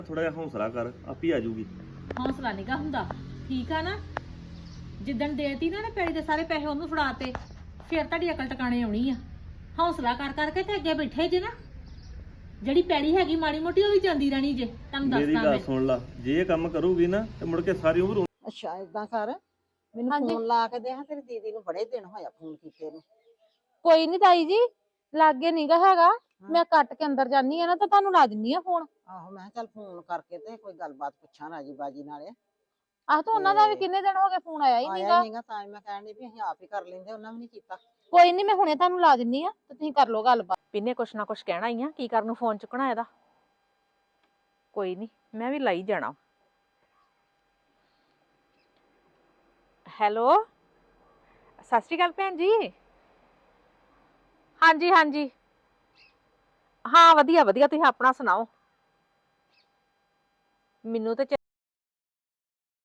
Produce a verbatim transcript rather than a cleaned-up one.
ਥੋੜਾ ਜਿਹਾ ਹੌਸਲਾ ਕਰ, ਆਪੀ ਆ ਜੂਗੀ। ਹੌਸਲਾ ਨਿਗਾ ਹੁੰਦਾ, ਠੀਕ ਆ ਨਾ। ਜਿੱਦਣ ਦੇਤੀ ਨਾ ਨਾ ਪੈੜੀ ਦੇ ਸਾਰੇ ਪੈਸੇ ਉਹਨੂੰ ਫੜਾਤੇ, ਫਿਰ ਤੁਹਾਡੀ ਅਕਲ ਟਿਕਾਣੇ ਆਉਣੀ ਆ। ਹੌਸਲਾ ਕਰ ਕਰਕੇ ਤੇ ਅੱਗੇ ਬੈਠੇ ਜੇ ਨਾ, ਜਿਹੜੀ ਪੈੜੀ ਹੈਗੀ ਮਾੜੀ ਮੋਟੀ ਉਹ ਵੀ ਜਾਂਦੀ ਰਹਿਣੀ ਜੇ। ਤੁਹਾਨੂੰ ਮੇਰੀ ਦੱਸਦਾ ਗੱਲ ਮੈਂ, ਸੁਣ ਲਾ, ਜੇ ਇਹ ਕੰਮ ਕਰੂਗੀ ਨਾ ਤੇ ਮੁੜ ਕੇ ਸਾਰੀ ਉਮਰ ਅੱਛਾ ਏਦਾਂ ਕਰ, ਮੈਨੂੰ ਹਾਂਜੀ। ਫੋਨ ਲਾ ਕੇ ਦੇ ਹਾਂ, ਤੇਰੀ ਦੀਦੀ ਨੂੰ ਬੜੇ ਦਿਨ ਹੋਇਆ ਫੋਨ ਕੀਤੇ ਨੂੰ। ਕੋਈ ਨਹੀਂ ਤਾਈ ਜੀ, ਲਾਗੇ ਨੀਗਾ ਹੈਗਾ, ਮੈਂ ਕੱਟ ਕੇ ਅੰਦਰ ਜਾਨੀ ਆ ਨਾ ਤਾਂ ਤੁਹਾਨੂੰ ਲਾ ਦਿੰਨੀ ਆ ਫੋਨ। ਆਹੋ ਮੈਂ ਕਿਹਾ ਚੱਲ ਫੋਨ ਕਰਕੇ ਤੇ ਕੋਈ ਗੱਲਬਾਤ ਪੁੱਛਾਂ ਰਾਜੀ ਬਾਜੀ ਨਾਲੇ। ਆਹ ਤਾਂ ਉਹਨਾਂ ਦਾ ਵੀ ਕਿੰਨੇ ਦਿਨ ਹੋ ਗਏ ਫੋਨ ਆਇਆ ਹੀ ਆਇਆ ਨਹੀਂਗਾ। ਹੀ ਨਹੀਂਗਾ, ਤਾਂ ਮੈਂ ਕਹਿਣ ਡਈ ਵੀ ਅਸੀਂ ਆਪ ਹੀ ਕਰ ਲੈਂਦੇ, ਉਹਨਾਂ ਵੀ ਨਹੀਂ ਕੀਤਾ। ਕੋਈ ਨਹੀਂ, ਮੈਂ ਹੁਣੇ ਤੁਹਾਨੂੰ ਲਾ ਦਿੰਨੀ ਆ ਤੇ ਤੁਸੀਂ ਕਰ ਲਓ ਗੱਲਬਾਤ। ਪਿੰਨੇ ਕੁਛ ਨਾ ਕੁਛ ਕਹਿਣਾ ਹੀ ਆ, ਕੀ ਕਰਨ ਨੂੰ ਫੋਨ ਚੁੱਕਣਾ ਇਹਦਾ। ਕੋਈ ਨਹੀਂ, ਮੈਂ ਵੀ ਲਾਈ ਜਾਣਾ। ਹੈਲੋ, ਸਤਿ ਸ਼੍ਰੀ ਅਕਾਲ ਭੈਣ ਜੀ। ਹਾਂਜੀ ਹਾਂਜੀ, ਹਾਂ ਵਧੀਆ ਵਧੀਆ, ਤੁਸੀਂ ਆਪਣਾ ਸੁਣਾਓ। ਮੈਨੂੰ ਤੇ